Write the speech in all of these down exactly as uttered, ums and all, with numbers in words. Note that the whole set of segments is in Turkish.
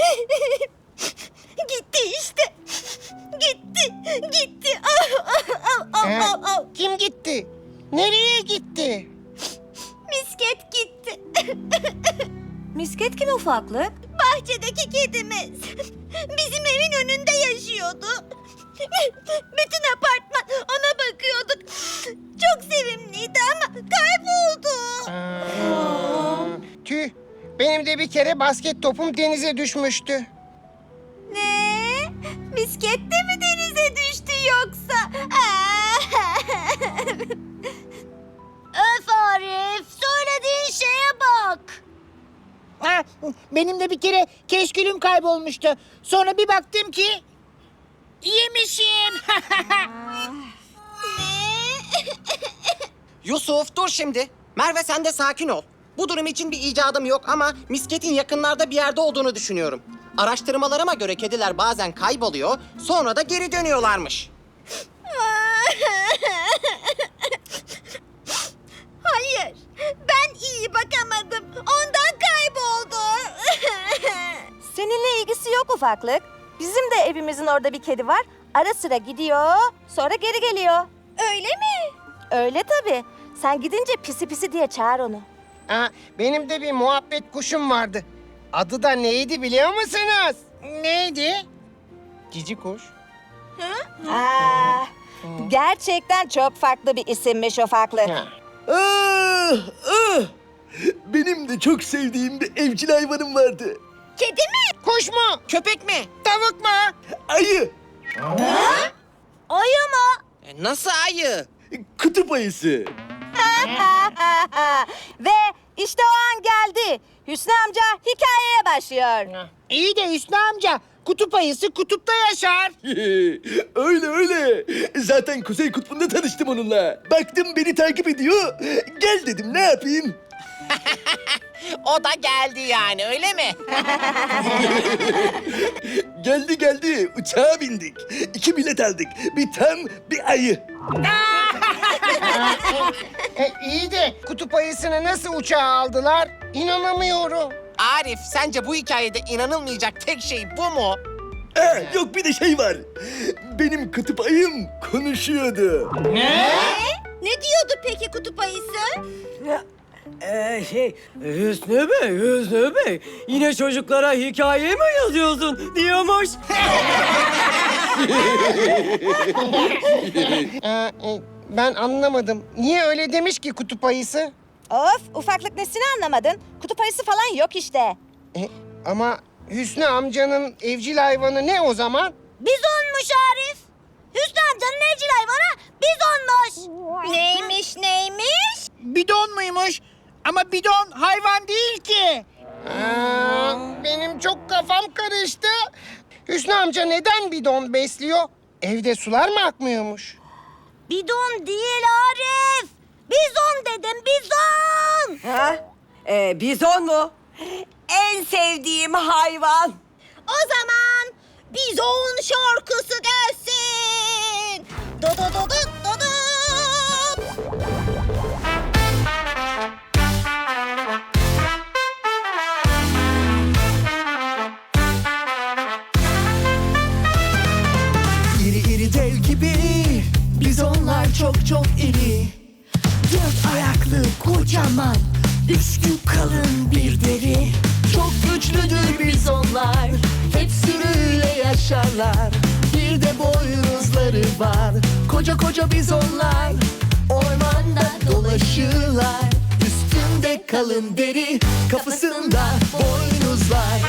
Gitti işte. Gitti, gitti. Au, au, au, Ee, au, au. kim gitti? Nereye gitti? Misket gitti. Misket kim ufaklık? Bahçedeki kedimiz. Bizim evin önünde yaşıyordu. Bütün apartman ona bakıyorduk. Çok sevimliydi ama kayboldu. Aa, tüh. Benim de bir kere basket topum denize düşmüştü. Ne? Misket de mi denize düştü yoksa? Öf Arif, söylediğin şeye bak. Ha, benim de bir kere keşkülüm kaybolmuştu. Sonra bir baktım ki yemişim. Yusuf dur şimdi. Merve sen de sakin ol. Bu durum için bir icadım yok ama misketin yakınlarda bir yerde olduğunu düşünüyorum. Araştırmalarıma göre kediler bazen kayboluyor, sonra da geri dönüyorlarmış. Hayır, ben iyi bakamadım. Ondan kayboldu. Seninle ilgisi yok ufaklık. Bizim de evimizin orada bir kedi var. Ara sıra gidiyor, sonra geri geliyor. Öyle mi? Öyle tabii. Sen gidince pisi pisi diye çağır onu. Aa, benim de bir muhabbet kuşum vardı. Adı da neydi biliyor musunuz? Neydi? Cici kuş. Aa, gerçekten çok farklı bir isimmiş ufaklık. Ha. Ah, ah. Benim de çok sevdiğim bir evcil hayvanım vardı. Kedi mi? Kuş mu? Köpek mi? Tavuk mu? Ayı. Ayı mı? E, nasıl ayı? Kutup ayısı. Ve işte o an geldi. Hüsnü amca hikayeye başlıyor. İyi de Hüsnü amca, kutup ayısı kutupta yaşar. Öyle öyle. Zaten Kuzey Kutbu'nda tanıştım onunla. Baktım beni takip ediyor. Gel dedim ne yapayım? O da geldi yani öyle mi? Geldi geldi. Uçağa bindik. İki bilet aldık. Bir tam bir ayı. E, iyi de kutup ayısını nasıl uçağa aldılar? İnanamıyorum. Arif sence bu hikayede inanılmayacak tek şey bu mu? Ha, yok bir de şey var. Benim kutup ayım konuşuyordu. Ne diyordu peki kutup ayısı? Ee, şey, Hüsnü Bey, Hüsnü Bey. Yine çocuklara hikaye mi yazıyorsun diyormuş. Ee, e, ben anlamadım. Niye öyle demiş ki kutup ayısı? Of, ufaklık nesini anlamadın? Kutup ayısı falan yok işte. E, ama Hüsnü amcanın evcil hayvanı ne o zaman? Bizonmuş Arif. Hüsnü amcanın evcil hayvanı bizonmuş. Neymiş neymiş? Bidon muymuş? Ama bidon hayvan değil ki. Aa, benim çok kafam karıştı. Hüsnü amca neden bidon besliyor? Evde sular mı akmıyormuş? Bidon değil Arif. Bizon dedim bizon. Ha? Ee, bizon mu? En sevdiğim hayvan. O zaman bizon şarkısı gelsin. Do do do do do do. İri iri dev gibi bizonlar çok çok iri. Dört ayaklı kocaman, üstü kalın bir deri. Çok güçlüdür bizonlar, hep sürüyle yaşarlar. Bir de boynuzları var, koca koca bizonlar. Ormanda dolaşırlar, üstünde kalın deri, kafasında boynuzlar.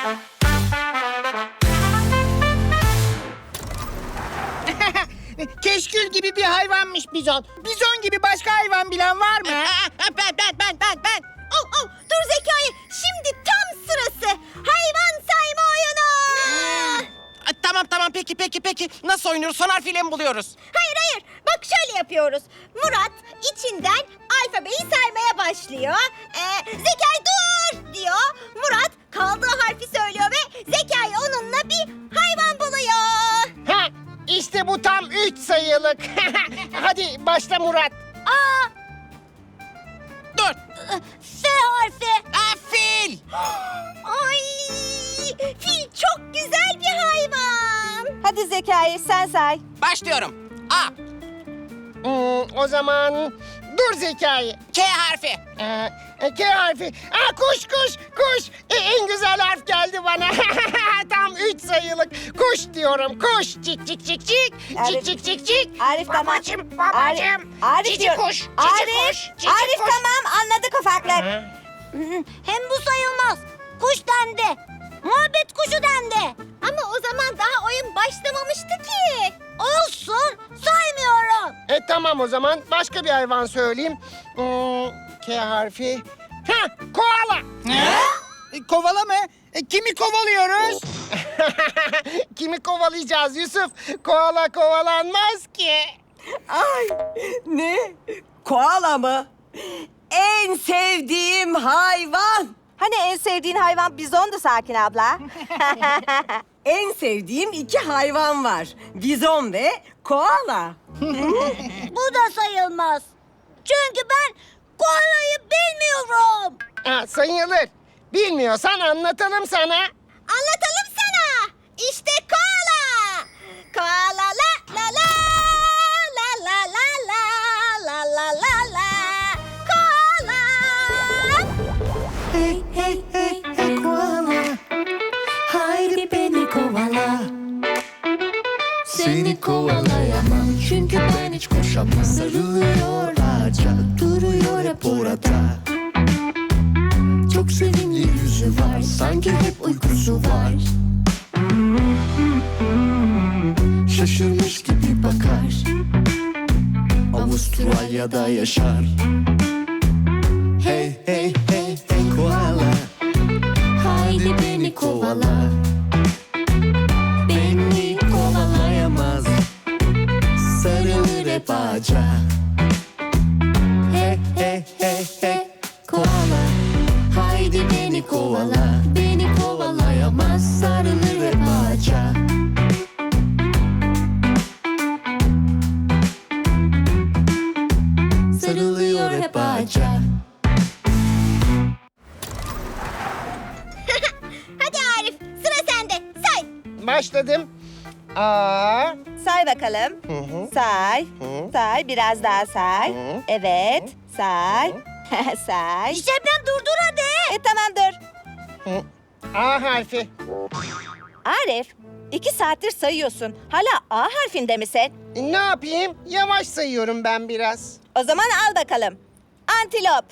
Keşkül gibi bir hayvanmış bizon. Bizon gibi başka hayvan bilen var mı? ben ben ben ben ben. Oh, oh, dur Zekai. Şimdi tam sırası. Hayvan sayma oyunu. Aa, tamam tamam peki peki peki. Nasıl oynuyoruz? Son harfiyle mi buluyoruz? Hayır hayır. Bak şöyle yapıyoruz. Murat içinden alfabeyi saymaya başlıyor. Ee, Zekai dur diyor. Murat kaldığı harfi söylüyor ve Zekai onunla bir hayvan buluyor. Ha, işte bu tam üç sayılık. Hadi başla Murat. Aa, Dur. F harfi. Aa, fil. Ay, fil Hadi Zekai sen say. Başlıyorum. A. Hmm, o zaman dur Zekai. K harfi. Ee, e, K harfi. Aa, kuş kuş kuş. E, en güzel harf geldi bana. Tam üç sayılık. Kuş diyorum. Kuş. Cik cik cik cik. Arif- Cik cik cik cik. Arif tamam. Babacım babacım. Arif, Arif cici diyorum. kuş. Cici Arif, kuş. Cici Arif kuş. tamam anladık ufaklık. Hem bu sayılmaz. Kuş dendi. Muhabbet kuşu dendi. Ama o zaman daha oyun başlamamıştı ki. Olsun, saymıyorum. E tamam o zaman. Başka bir hayvan söyleyeyim. Hmm, K harfi. Ha, koala. E, Kovala mı? E, kimi kovalıyoruz? Kimi kovalayacağız Yusuf? Koala kovalanmaz ki. Ay ne? Koala mı? En sevdiğim hayvan. Hani en sevdiğin hayvan bizondu Sakin abla. En sevdiğim iki hayvan var. Bizon ve koala. Bu da sayılmaz. Çünkü ben koalayı bilmiyorum. Ha, sayılır. Bilmiyorsan anlatalım sana. Anlatalım sana. İşte koala. Koala la la la la la la la la la la la. Koala. Hey hey hey hey koala, haydi beni kovala. Seni kovalayamam çünkü ben hiç koşamam. Sarılıyor ağaca, duruyor hep orada. Çok sevimli yüzü var, sanki hep uykusu var. Şaşırmış gibi bakar, Avustralya'da yaşar. Hey hey hey hey koala, haydi beni kovala. Beni kovalayamaz, sarılır hep ağaca. Hey hey hey hey koala, haydi beni kovala. Beni kovalayamaz, sarılır hep ağaca. Sarılıyor hep ağaca. Hadi Arif, sıra sende. Say. Başladım. A. Say bakalım. Say. Say biraz daha say. Evet. Say. say. Şebnem durdur hadi. E tamam dur. A harfi. Arif iki saattir sayıyorsun. Hala A harfinde misin? Ne yapayım? Yavaş sayıyorum ben biraz. O zaman al bakalım. Antilop.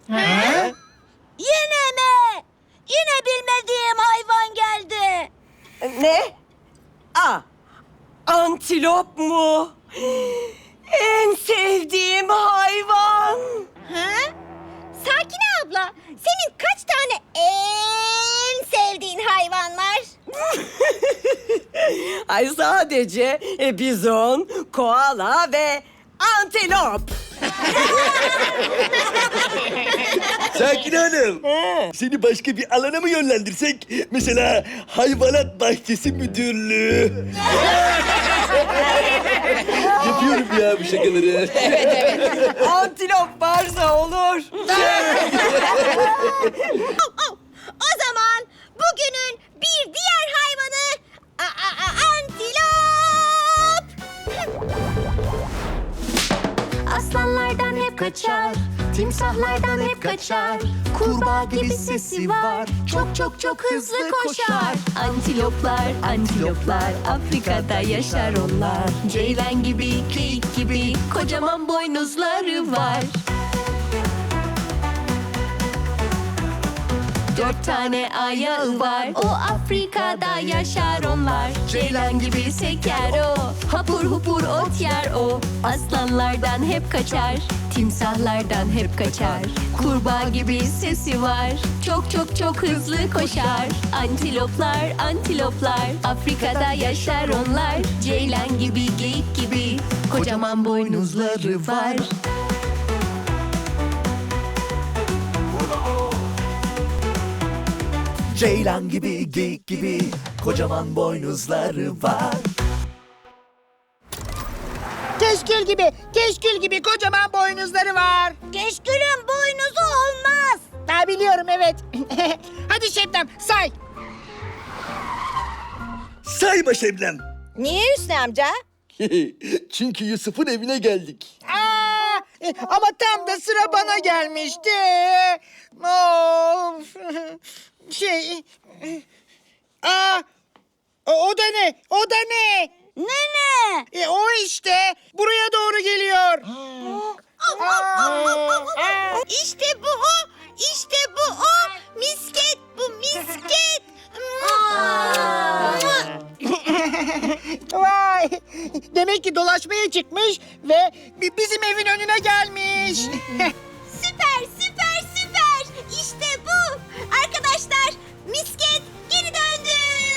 Yine mi? Yine bilmediğim hayvan geldi. Ne? A. Antilop mu? En sevdiğim hayvan. Ha? Sakine abla, senin kaç tane en sevdiğin hayvan var? Ay sadece e, bizon, koala ve antilop. Sakin Hanım. Seni başka bir alana mı yönlendirsek? Mesela hayvanat bahçesi müdürlüğü. Yapıyorum ya bu şakaları. Antilop varsa olur. O zaman bugünün bir diğer hayvanı a- a- a- antilop. Aslanlardan hep kaçar, timsahlardan hep kaçar. Kurbağa gibi sesi var, çok çok çok hızlı koşar. Antiloplar, antiloplar, Afrika'da yaşar onlar. Ceylan gibi, geyik gibi, kocaman boynuzları var. Dört tane ayağı var, o Afrika'da yaşar onlar. Ceylan gibi seker o, hapur hupur ot yer o. Aslanlardan hep kaçar, timsahlardan hep kaçar. Kurbağa gibi sesi var, çok çok çok hızlı koşar. Antiloplar, antiloplar, Afrika'da yaşar onlar. Ceylan gibi, geyik gibi, kocaman boynuzları var. Ceylan gibi, geyik gibi, kocaman boynuzları var. Keşkül gibi, keşkül gibi kocaman boynuzları var. Keşkülün boynuzu olmaz. Ha biliyorum evet. Hadi Şebnem say. Sayma Şebnem. Niye Hüsnü amca? Çünkü Yusuf'un evine geldik. Aa, e, ama tam da sıra bana gelmişti. Of. Şey... e, Aa, o, o da ne? O da ne? Ne ne? E, o işte. Buraya doğru geliyor. İşte bu o. İşte bu o. Misket bu misket. Vay! Demek ki dolaşmaya çıkmış ve bi- bizim evin önüne gelmiş. Süper süper süper. İşte bu. Arkadaşlar misket geri döndü.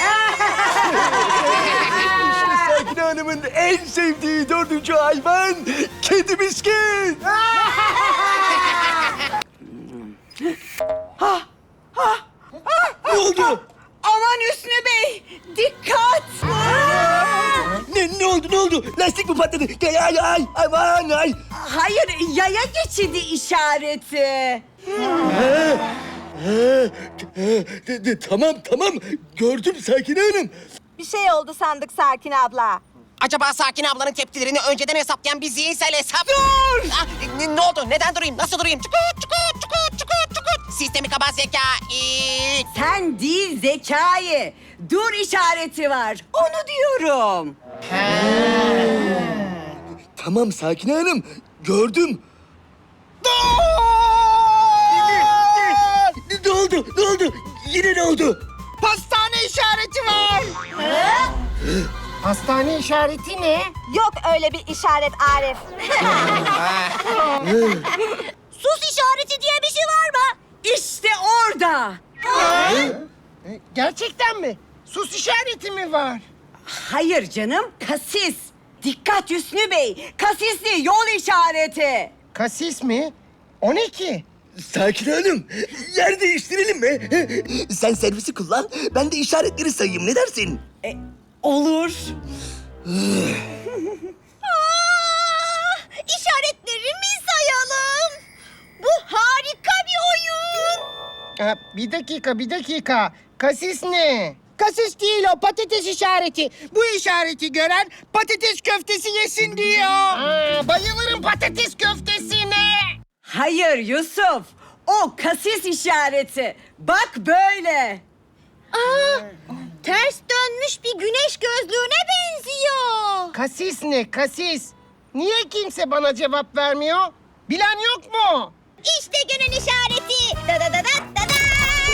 İşte Sakine Hanım'ın en sevdiği dördüncü hayvan kedi miskin. Ne oldu? Aman Hüsnü Bey, dikkat! Ne, ne oldu ne oldu? Lastik mi patladı? Ay ay ay aman ay. Hayır, yaya geçidi işareti. De- de- tamam tamam gördüm Sakine Hanım. Bir şey oldu sandık Sakin abla. Acaba Sakin ablanın tepkilerini önceden hesaplayan bir zihinsel hesap... Dur! Ah, ne, ne oldu? Neden durayım? Nasıl durayım? Çukut, çukut, çukut, çukut, çukut. Sistemi kaba zeka. Ee, Sen değil Zekai. Dur işareti var. Onu diyorum. Tamam Sakine Hanım gördüm. Ne, ne oldu? Ne oldu? Yine ne oldu? Pastane işareti var. Hastane işareti ne? Yok öyle bir işaret Arif. Sus işareti diye bir şey var mı? İşte orada. Gerçekten mi? Sus işareti mi var? Hayır canım, kasis. Dikkat Hüsnü Bey, kasisli yol işareti. Kasis mi? O ne ki? Sakine Hanım yer değiştirelim mi? Sen servisi kullan ben de işaretleri sayayım ne dersin? E, olur. Aa, işaretlerimi sayalım. Bu harika bir oyun. Ha, bir dakika, bir dakika. Kasis ne? Kasis değil o, patates işareti. Bu işareti gören patates köftesi yesin diyor. Aa, bayılırım patates köftesine. Hayır Yusuf, o kasis işareti. Bak böyle. Aa, ters dönmüş bir güneş gözlüğüne benziyor. Kasis ne? Kasis. Niye kimse bana cevap vermiyor? Bilen yok mu? İşte günün işareti. Da da da da da da.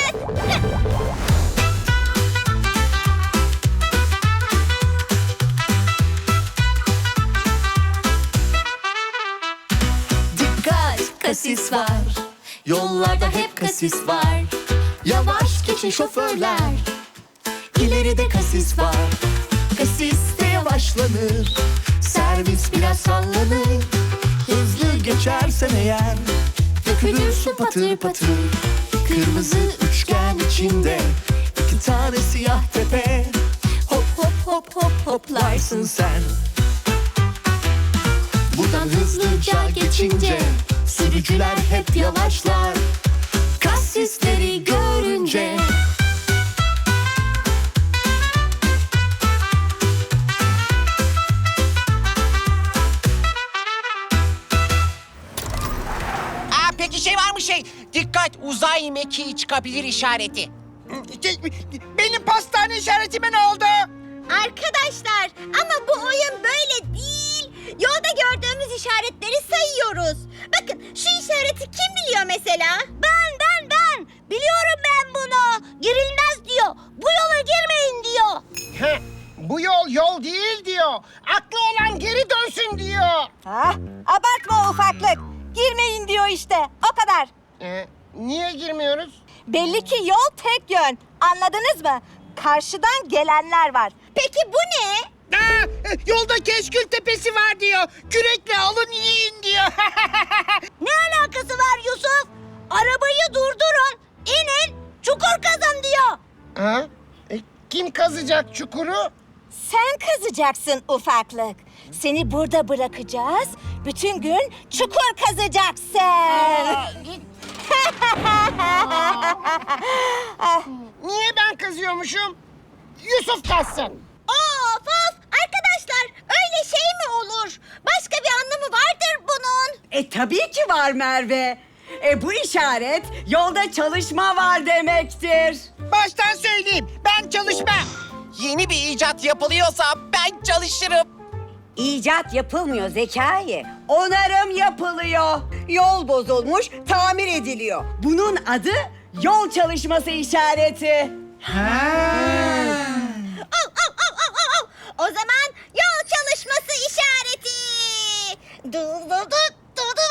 Dikkat, kasis var. Yollarda hep kasis var. Yavaş geçin şoförler. İleride kasis var. Kasiste yavaşlanır. Servis biraz sallanır. Hızlı geçersen eğer Dökülür su patır patır. Kırmızı üçgen içinde iki tane siyah tepe. Hop hop hop hop hoplarsın Sen buradan hızlıca geçince sürücüler hep yavaşlar. kasisleri görünce. Aa, peki şey var mı şey? Dikkat uzay mekiği çıkabilir işareti. Şey, benim pastane işaretime ne oldu? Arkadaşlar ama bu oyun böyle değil. Yolda gördüğümüz işaretleri sayıyoruz. Bakın şu işareti kim biliyor mesela? Ben ben ben. Biliyorum ben bunu. Girilmez diyor. Bu yola girmeyin diyor. Heh, bu yol yol değil diyor. Aklı olan geri dönsün diyor. Ha? Abartma ufaklık. Girmeyin diyor işte. O kadar. Ee, niye girmiyoruz? Belli ki yol tek yön. Anladınız mı? Karşıdan gelenler var. Peki bu ne? Aa, yolda Keşkül Tepesi var diyor. Kürekle alın yiyin diyor. Ne alakası var Yusuf? Arabayı durdurun. İnin. Çukur kazın diyor. Ha? E, kim kazacak çukuru? Sen kazacaksın ufaklık. Seni burada bırakacağız. Bütün gün çukur kazacaksın. Niye ben kazıyormuşum? Yusuf kazsın. Of of. olur. Başka bir anlamı vardır bunun. E tabii ki var Merve. E bu işaret yolda çalışma var demektir. Baştan söyleyeyim, ben çalışmam. Yeni bir icat yapılıyorsa ben çalışırım. İcat yapılmıyor Zekai. Onarım yapılıyor. Yol bozulmuş, tamir ediliyor. Bunun adı yol çalışması işareti. Al, al, al, al, al, al. O zaman yol çalışması işareti. Dı dı dı dı dı.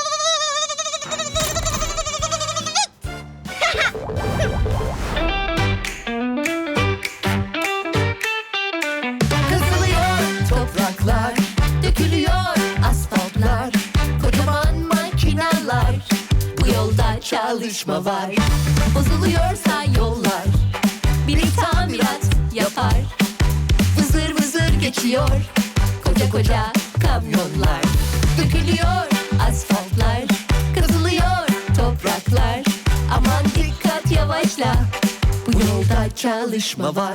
Kazılıyor topraklar, dökülüyor asfaltlar, kocaman makineler. Bu yolda çalışma var. Bozuluyorsa yollar, biri tamirat yapar. Vızır vızır geçiyor koca koca kamyonlar. Dökülüyor asfaltlar, kazılıyor topraklar. Aman dikkat yavaşla, bu yolda çalışma var.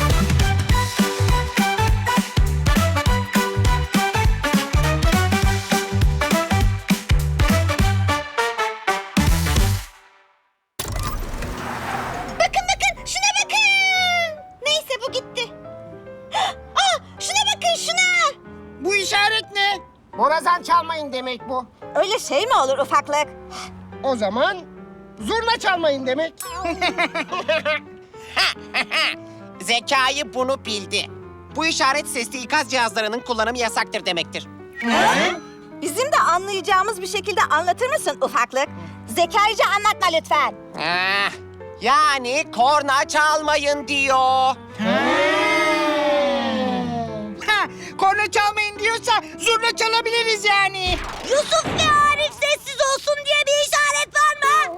Bakın bakın şuna bakın. Neyse bu gitti. Aa, şuna bakın şuna. Bu işaret ne? Borazan çalmayın demek bu. Öyle şey mi olur ufaklık? O zaman zurna çalmayın demek. Zekai bunu bildi. Bu işaret sesli ikaz cihazlarının kullanımı yasaktır demektir. Bizim de anlayacağımız bir şekilde anlatır mısın ufaklık? Zekaice anlatma lütfen. Ah, yani korna çalmayın diyor. Ha, korna çalmayın diyorsa zurna çalabiliriz yani. Yusuf ve Arif sessiz olsun diye bir işaret var mı?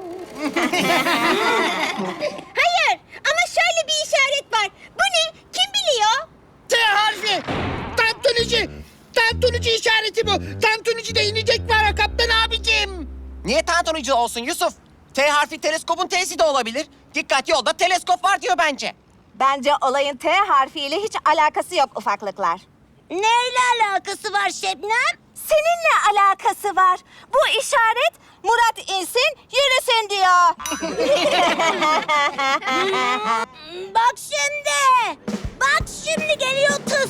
Hayır ama şöyle bir işaret var. Bu ne? Kim biliyor? T harfi. Tantunici. Tantunici işareti bu. Tantunici de inecek var kaptan abicim. Niye tantunici olsun Yusuf? T harfi teleskopun T'si de olabilir. Dikkat, yolda teleskop var diyor bence. Bence olayın T harfiyle hiç alakası yok ufaklıklar. Neyle alakası var Şebnem? Seninle alakası var. Bu işaret Murat insin, yürüsün diyor. Bak şimdi. Bak şimdi geliyor tıs.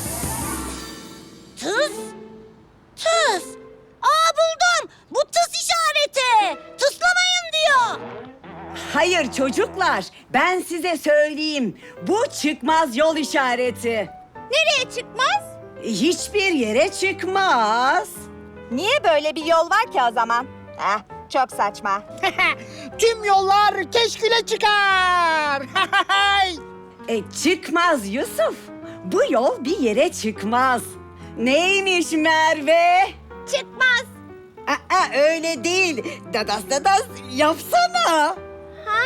Tıs? Tıs. Aa buldum. Bu tıs işareti. Tıslamayın diyor. Hayır çocuklar, ben size söyleyeyim. Bu çıkmaz yol işareti. Nereye çıkmaz? Hiçbir yere çıkmaz. Niye böyle bir yol var ki o zaman? Heh, çok saçma. Tüm yollar keşküle çıkar. E çıkmaz Yusuf. Bu yol bir yere çıkmaz. Neymiş Merve? Çıkmaz. Aa, öyle değil. Dadas dadas yapsana. Ha,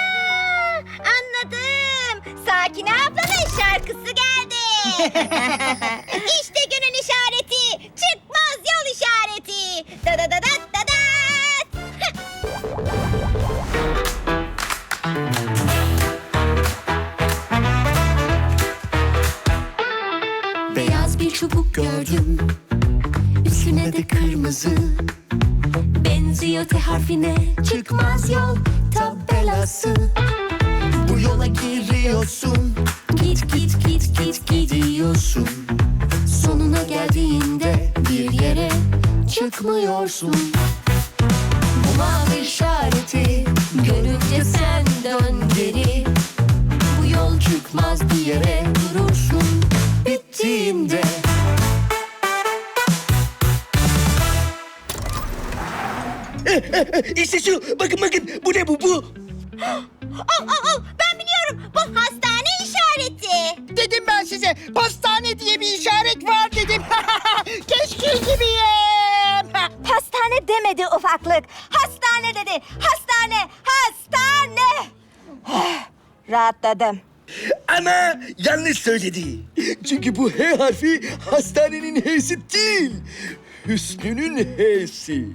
anladım. Sakine ablanın şarkısı geldi. İşte günün işareti. Çıkmaz yol işareti. Da da da da da da. Beyaz bir çubuk gördüm, üstüne de kırmızı. Benziyor T harfine, çıkmaz yol tabelası. Bu yola giriyorsun, Git git git git gidiyorsun. Sonuna geldiğinde bir yere çıkmıyorsun. Bu mavi işareti görünce sen dön geri. Bu yol çıkmaz bir yere durursun bittiğinde. İşte şu, bakın bakın, bu ne bu, bu? Al al al. Ben biliyorum. Bu hastane işareti. Dedim ben size pastane diye bir işaret var dedim. Keşkül gibiyim. Pastane demedi ufaklık. Hastane dedi. Hastane, hastane. Rahatladım. Ama yanlış söyledi. Çünkü bu H harfi hastanenin H'si değil. Hüsnü'nün H'si.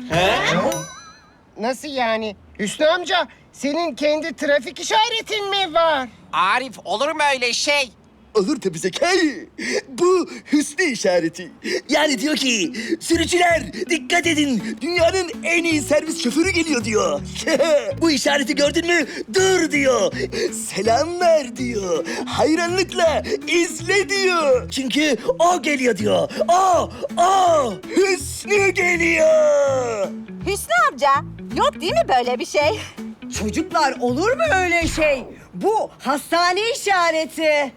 Nasıl yani? Hüsnü amca, senin kendi trafik işaretin mi var? Arif, olur mu öyle şey? Olur tabii Zekai. Bu Hüsnü işareti. Yani diyor ki sürücüler dikkat edin. Dünyanın en iyi servis şoförü geliyor diyor. Bu işareti gördün mü? Dur diyor. Selam ver diyor. Hayranlıkla izle diyor. Çünkü o geliyor diyor. O, o Hüsnü geliyor. Hüsnü amca, yok değil mi böyle bir şey? Çocuklar olur mu öyle şey? Bu hastane işareti.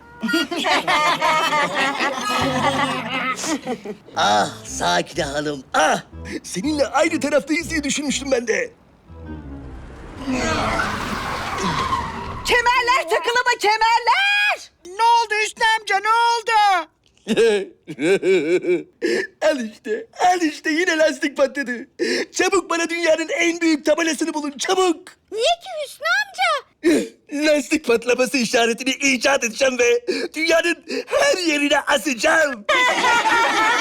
Ah Sakine Hanım, ah! Seninle aynı taraftayız diye düşünmüştüm ben de. Kemerler takılı mı kemerler? Ne oldu Hüsnü amca ne oldu? Al işte, al işte yine lastik patladı. Çabuk bana dünyanın en büyük tabelasını bulun, çabuk! Niye ki Hüsnü amca? Lastik patlaması işaretini icat edeceğim ve dünyanın her yerine asacağım.